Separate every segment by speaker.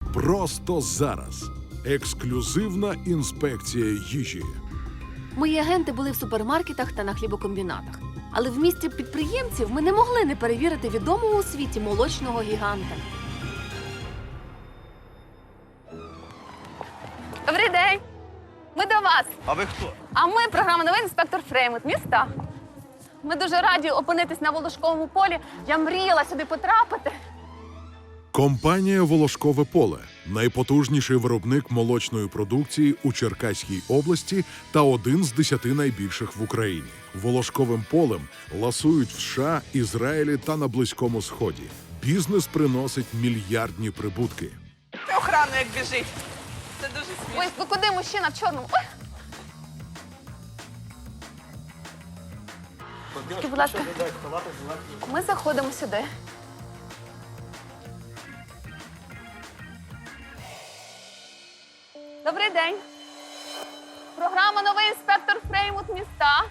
Speaker 1: Просто зараз. Ексклюзивна інспекція їжі.
Speaker 2: Мої агенти були в супермаркетах та на хлібокомбінатах. Але в місті підприємців ми не могли не перевірити відомого у світі молочного гіганта. Добрий день! Ми до вас!
Speaker 3: А ви хто?
Speaker 2: А ми програма «Новий інспектор Фреймут» міста. Ми дуже раді опинитись на Волошковому полі. Я мріяла сюди потрапити.
Speaker 1: Компанія «Волошкове поле» – найпотужніший виробник молочної продукції у Черкаській області та один з 10 найбільших в Україні. Волошковим полем ласують в США, Ізраїлі та на Близькому Сході. Бізнес приносить мільярдні прибутки.
Speaker 4: Охрану як біжить. Це дуже смішно.
Speaker 2: Ой, ви куди, мужчина в чорному? Ой! Будь ласка, ми заходимо сюди. Добрий день. Програма «Новий інспектор Фреймут» міста.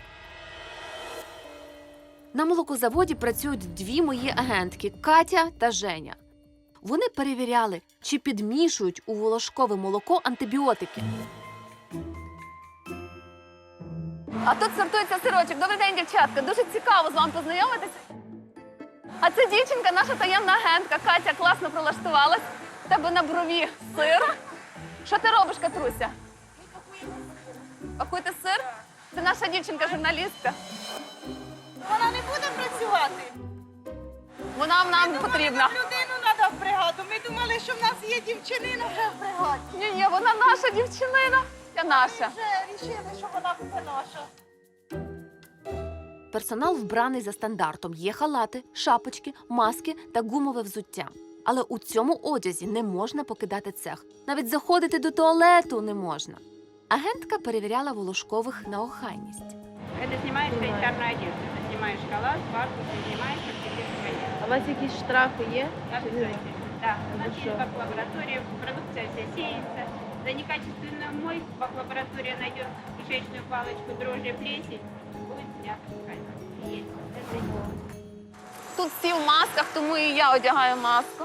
Speaker 2: На молокозаводі працюють дві мої агентки – Катя та Женя. Вони перевіряли, чи підмішують у волошкове молоко антибіотики. А тут сортується сирочок. Добрий день, дівчатка. Дуже цікаво з вами познайомитися. А це дівчинка, наша таємна агентка. Катя класно прилаштувалась. В тебе на брові сир. Що ти робиш, Катруся? Пакуєте сир? Це наша дівчинка-журналістка.
Speaker 4: Вона не буде працювати.
Speaker 2: Вона нам потрібна.
Speaker 4: Людину треба в бригаду. Ми думали, що в нас є дівчинина вже в бригаді.
Speaker 2: Ні, вона наша дівчинина. Це наша.
Speaker 4: Вже рішили, що вона буде наша.
Speaker 2: Персонал вбраний за стандартом. Є халати, шапочки, маски та гумове взуття. Але у цьому одязі не можна покидати цех. Навіть заходити до туалету не можна. Агентка перевіряла волошкових на охайність.
Speaker 5: Это снимаешь санитарную одежду. Ты снимаешь халат, фартук, ты снимаешь, чтобы тебе сходить.
Speaker 6: А у вас якісь штрафи є?
Speaker 5: Обязательно. Да, у нас есть бак-лаборатория, продукция вся сеется. За некачественную мойку бак-лаборатория найдет кишечную палочку, дрожжи, плесень, будет снято с камеры. Есть. Это есть.
Speaker 2: Тут всі в масках, тому і я одягаю маску.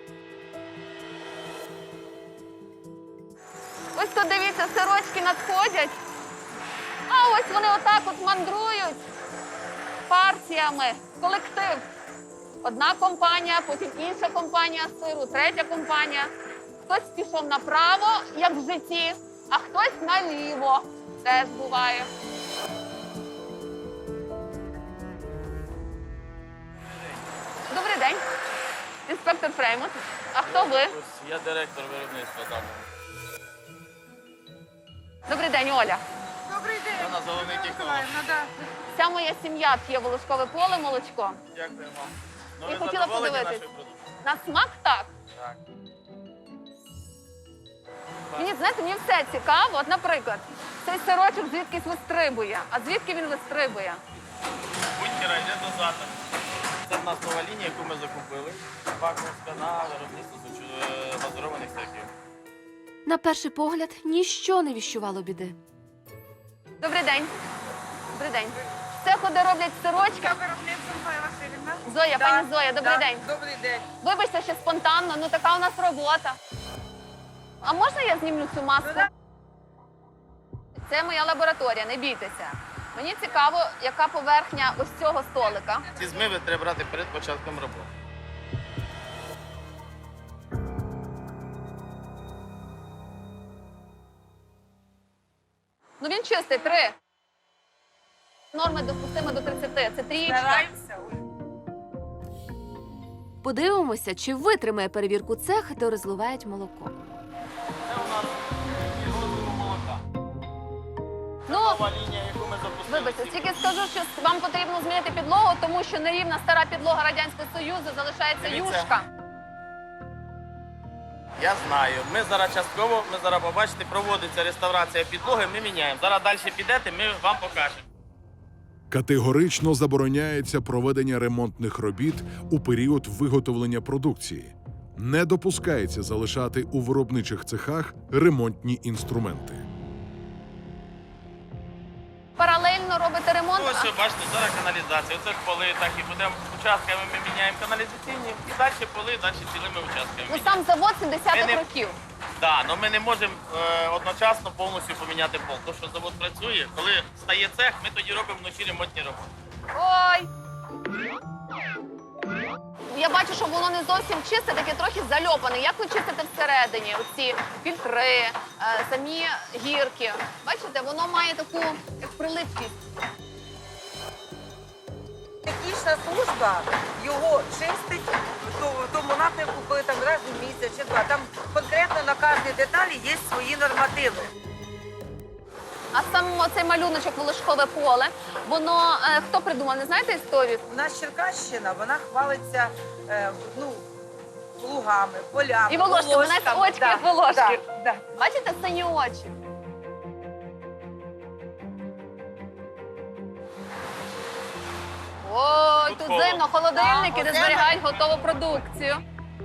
Speaker 2: Ось тут, дивіться, сирочки надходять. А ось вони отак от мандрують партіями. Колектив. Одна компанія, потім інша компанія сиру, третя компанія. Хтось пішов направо, як в житті, а хтось наліво. Теж буває. Добрий день. Інспектор Фреймут. А хто ви?
Speaker 3: Я директор виробництва там.
Speaker 2: Добрий день, Оля.
Speaker 4: Добрий день.
Speaker 3: Вона головний технолог.
Speaker 2: Вся моя сім'я п'є волошкове поле молочко.
Speaker 3: Дякуємо. Ну,
Speaker 2: І
Speaker 3: ви
Speaker 2: хотіла
Speaker 3: задоволені
Speaker 2: подивитись.
Speaker 3: нашою продукцією?
Speaker 2: На смак так.
Speaker 3: Так.
Speaker 2: Мені, знаєте, мені все цікаво. От, наприклад, цей сирочок звідкись вистрибує. А звідки він вистрибує?
Speaker 3: Будь-яка йде дозатор. Це в нас нова лінія, яку ми закупили. Баковська на виробництво глазурованих сирків.
Speaker 2: На перший погляд, ніщо не віщувало біди. Добрий день. Добрий день. Це куди роблять сирочки.
Speaker 4: Виробництво Зоя Васильівна.
Speaker 2: Зоя, пані Зоя, добрий день.
Speaker 4: Добрий день.
Speaker 2: Вибачте, ще спонтанно, ну така у нас робота. А можна я знімлю цю маску? Це моя лабораторія, не бійтеся. Мені цікаво, яка поверхня ось цього столика.
Speaker 3: Ці змиви треба брати перед початком роботи.
Speaker 2: Ну він чистий, 3. Норми допустимо до 30. Це трієчка.
Speaker 4: Стараємося.
Speaker 2: Подивимося, чи витримає перевірку цех, де розливають молоко.
Speaker 3: Це у нас розливу молока.
Speaker 2: Ну,
Speaker 3: Нова лінія, яку ми запустили.
Speaker 2: вибачте, тільки скажу, що вам потрібно змінити підлогу, тому що нерівна стара підлога Радянського Союзу залишається
Speaker 3: Дивіться.
Speaker 2: юшка.
Speaker 3: Я знаю. Ми зараз частково, ми зараз побачите, проводиться реставрація підлоги, ми міняємо. Зараз далі підете, ми вам покажемо.
Speaker 1: Категорично забороняється проведення ремонтних робіт у період виготовлення продукції. Не допускається залишати у виробничих цехах ремонтні інструменти.
Speaker 2: Паралельно робите ремонт.
Speaker 3: Ось, бачите, зараз каналізація. Оце ж поли, так і будемо участками ми міняємо каналізаційні і далі поли, далі цілими участками.
Speaker 2: Ну сам завод 70-х
Speaker 3: Ми не-
Speaker 2: років.
Speaker 3: Так, але ми не можемо одночасно повністю поміняти пол. Тому що завод працює, коли стає цех, ми тоді робимо вночі ремонтні роботи.
Speaker 2: Ой! Я бачу, що воно не зовсім чисте, таке трохи зальопане. Як ви чистите всередині? Оці фільтри, самі гірки. Бачите, воно має таку як прилипкість.
Speaker 6: Технічна служба його чистить в тому напрямку, коли там раз у місяць чи два. Там конкретно на кожній деталі є свої нормативи.
Speaker 2: А сам цей малюночок волошкове поле, воно хто придумав? Не знаєте історію?
Speaker 6: У нас Черкащина, вона хвалиться лугами, полями,
Speaker 2: І волошки, знаєте, очки
Speaker 6: Да,
Speaker 2: як волошки.
Speaker 6: да.
Speaker 2: Бачите, сині очі. Ой, тут
Speaker 3: Тут
Speaker 2: зимно, холодильники,
Speaker 6: Да,
Speaker 2: де
Speaker 6: оце
Speaker 2: зберігають готову продукцію.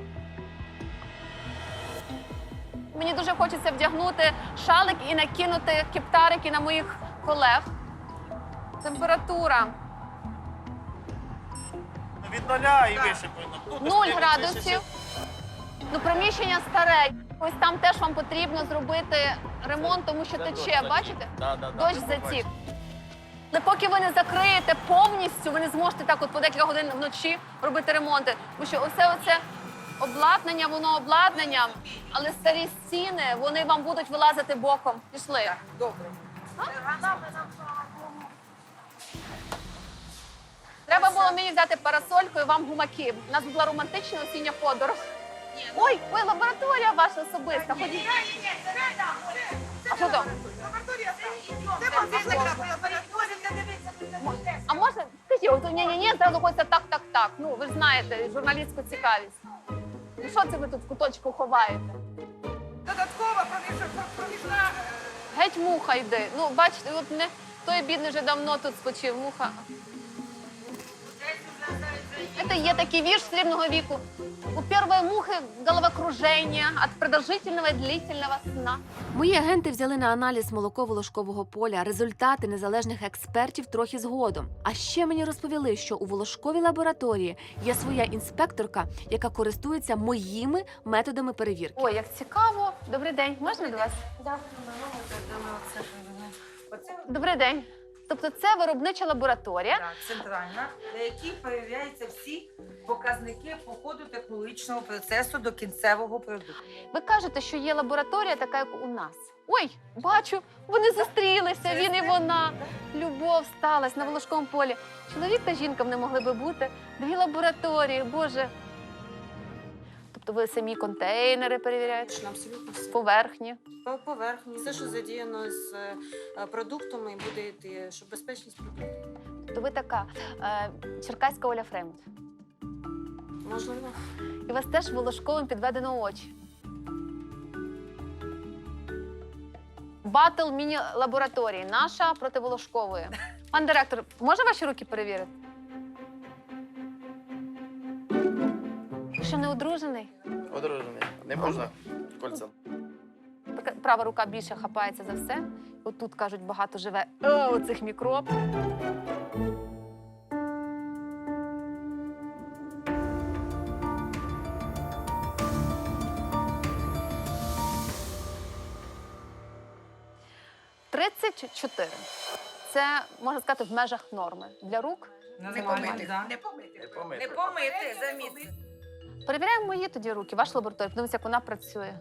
Speaker 2: Мені дуже хочеться вдягнути шалик і накинути кептарики на моїх колег. Температура
Speaker 3: Від 0 і вище повинно.
Speaker 2: 0 градусів. Ну, приміщення старе. Ось там теж вам потрібно зробити ремонт, тому що тече, бачите? Дощ затік. Але поки ви не закриєте повністю, ви не зможете так от по декілька годин вночі робити ремонти. Тому що оце обладнання, воно обладнанням, але старі стіни, вони вам будуть вилазити боком. Пішли.
Speaker 6: Добре.
Speaker 2: Треба було мені взяти парасольку і вам гумаки. У нас була романтична осіння подорож. Ой, лабораторія ваша особиста. Ходіть. А що там? А можна? Скажіть, от ні, зразу хочеться так. Ну, ви ж знаєте, журналістську цікавість. Ну що це ви тут в куточку ховаєте?
Speaker 4: Додаткова проміжна.
Speaker 2: Геть муха йде. Ну, бачите, от не той бідний вже давно тут спочив. Муха. Это є такий вірш срібного віку. У першої мухи головокруження від продовжительного і длительного сна.
Speaker 7: Мої агенти взяли на аналіз молоко волошкового поля, результати незалежних експертів трохи згодом. А ще мені розповіли, що у волошковій лабораторії є своя інспекторка, яка користується моїми методами перевірки.
Speaker 2: Ой, як цікаво. Добрий день. Можна до вас? Добрий день. Тобто це виробнича лабораторія.
Speaker 6: Так, центральна, на якій перевіряються всі показники по ходу технологічного процесу до кінцевого продукту.
Speaker 2: Ви кажете, що є лабораторія така, як у нас. Ой, бачу, вони зустрілися, він і вона. Любов сталася на волошковому полі. Чоловік та жінка не могли би бути. Дві лабораторії, Боже. Тобто ви самі контейнери перевіряєте?
Speaker 8: Абсолютно все.
Speaker 2: Поверхні.
Speaker 8: По поверхні. Все, що задіяно з продуктами, буде йти, щоб безпечність продуктів.
Speaker 2: Тобто ви така черкаська Оля Фремонт.
Speaker 8: Можливо.
Speaker 2: І у вас теж волошковим підведено очі. Батл міні-лабораторії. Наша проти волошкової. Пан директор, можна ваші руки перевірити? Ви що, не одружений?
Speaker 3: Одружений. Не можна кольцем.
Speaker 2: Така права рука більше хапається за все. Отут, кажуть, багато живе оцих мікроб. – 34. Це, можна сказати, в межах норми. Для рук.
Speaker 6: Не помити, да? Не помити, замітьте.
Speaker 2: Перевіряємо мої тоді руки, вашу лабораторію. Подивимося, як вона працює.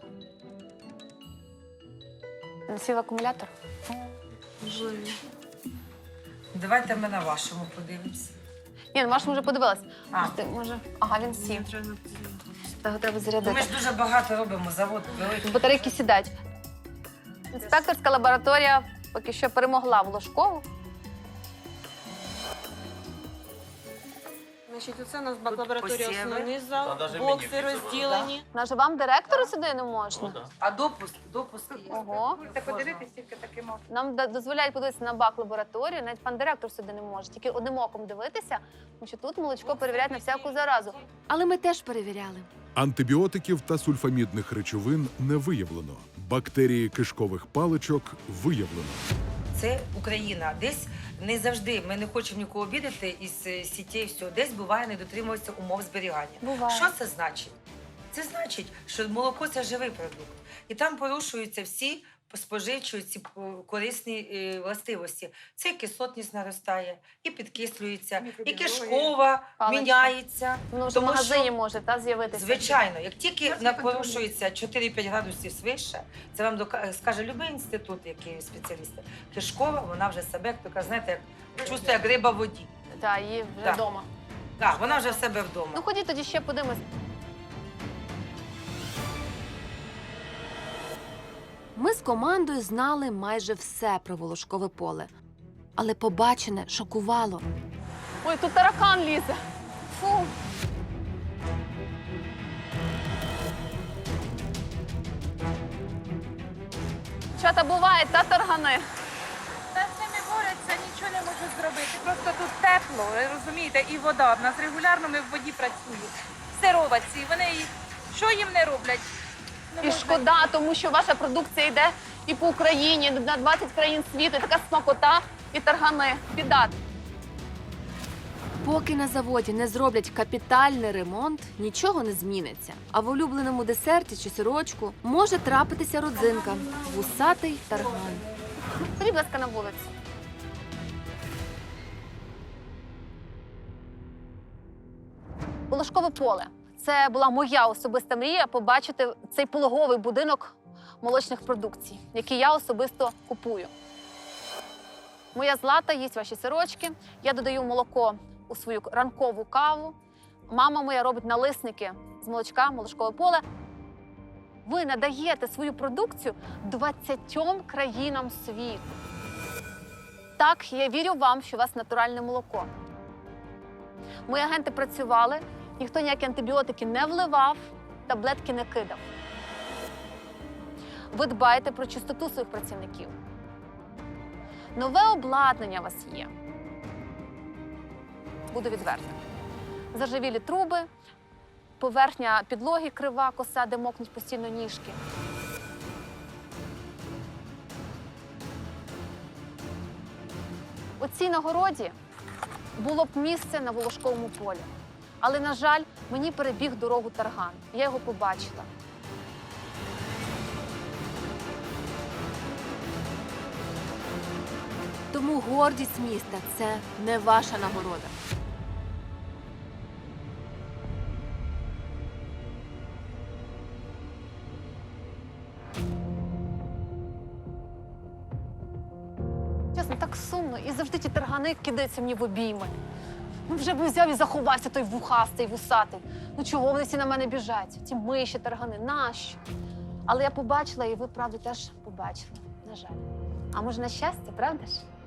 Speaker 2: Сів акумулятор.
Speaker 8: Можливо.
Speaker 6: Давайте ми на вашому подивимося.
Speaker 2: Ні, на вашому вже подивилась.
Speaker 6: А.
Speaker 2: Може, ага, він сів. Його треба
Speaker 6: Ми
Speaker 2: зарядити.
Speaker 6: ж дуже багато робимо, завод великий.
Speaker 2: Батарейки сідають. Інспекторська лабораторія поки що перемогла Волошкову.
Speaker 8: Значить, оце у нас бак-лабораторія,
Speaker 6: посіви.
Speaker 8: основний зал,
Speaker 3: Та навіть
Speaker 8: бокси
Speaker 3: мені
Speaker 8: розділені.
Speaker 2: Наже вам директору сюди не можна?
Speaker 6: А допуск є.
Speaker 2: Ого.
Speaker 4: Можете подивитись, тільки таки можна.
Speaker 2: Нам дозволяють подивитися на бак-лабораторію, навіть пан директор сюди не може. Тільки одним оком дивитися, тому що тут молочко перевіряють на всяку заразу.
Speaker 7: Але ми теж перевіряли.
Speaker 1: Антибіотиків та сульфамідних речовин не виявлено. Бактерії кишкових паличок виявлено.
Speaker 6: це Україна. Десь не завжди, ми не хочемо нікого обідати із сітей, все. Десь буває не дотримується умов зберігання.
Speaker 2: Буває.
Speaker 6: Що це значить? Це значить, що молоко – це живий продукт. І там порушуються всі споживчі ці корисні властивості. Це і кислотність наростає, і підкислюється, і кишкова
Speaker 2: Паличка.
Speaker 6: міняється.
Speaker 2: Воно вже в
Speaker 6: Тому
Speaker 2: магазині
Speaker 6: що,
Speaker 2: може з'явитися.
Speaker 6: звичайно, як тільки порушується 4-5 градусів свише, це вам скаже будь-який інститут, який спеціалісти. Кишкова, вона вже себе, така, знаєте, як чувствує, як риба в воді.
Speaker 2: Так, її вже
Speaker 6: Так.
Speaker 2: вдома.
Speaker 6: Так, вона вже в себе вдома.
Speaker 2: Ну ходіть тоді ще подивимось.
Speaker 7: Ми з командою знали майже все про волошкове поле. Але побачене шокувало.
Speaker 2: Ой, тут таракан лізе. Фу. Чата буває, та таргани.
Speaker 4: Та з ними борються, нічого не можуть зробити. Просто тут тепло, ви розумієте, і вода. В нас регулярно ми в воді працюємо. Сироватці, вони що їм не роблять? Не
Speaker 2: І
Speaker 4: можна.
Speaker 2: шкода, тому що ваша продукція йде і по Україні, на 20 країн світу, і така смакота і таргани. Біда.
Speaker 7: Поки на заводі не зроблять капітальний ремонт, нічого не зміниться. А в улюбленому десерті чи сирочку може трапитися родзинка – вусатий тарган.
Speaker 2: Ходіть, будь ласка, на вулицю. Волошкове поле. Це була моя особиста мрія побачити цей пологовий будинок молочних продукцій, який я особисто купую. Моя Злата їсть ваші сирочки, я додаю молоко у свою ранкову каву. Мама моя робить налисники з молочка, молочкове поле. Ви надаєте свою продукцію 20 країнам світу. Так, я вірю вам, що у вас натуральне молоко. Мої агенти працювали, ніхто ніякі антибіотики не вливав, таблетки не кидав. Ви дбаєте про чистоту своїх працівників. Нове обладнання у вас є. Буду відверта. Заржавілі труби, поверхня підлоги крива, коса, де мокнуть постійно ніжки. У цій нагороді було б місце на Волошковому полі. Але, на жаль, мені перебіг дорогу тарган. Я його побачила.
Speaker 7: Тому гордість міста – це не ваша нагорода.
Speaker 2: Чесно, так сумно. І завжди ті таргани кидаються мені в обійми. Ну вже б взяв і заховався той вухастий, вусатий. Ну чого вони всі на мене біжать? Ті миші, таргани, нащо? Але я побачила, і ви, правда, теж побачили. На жаль. А може, на щастя, правда ж?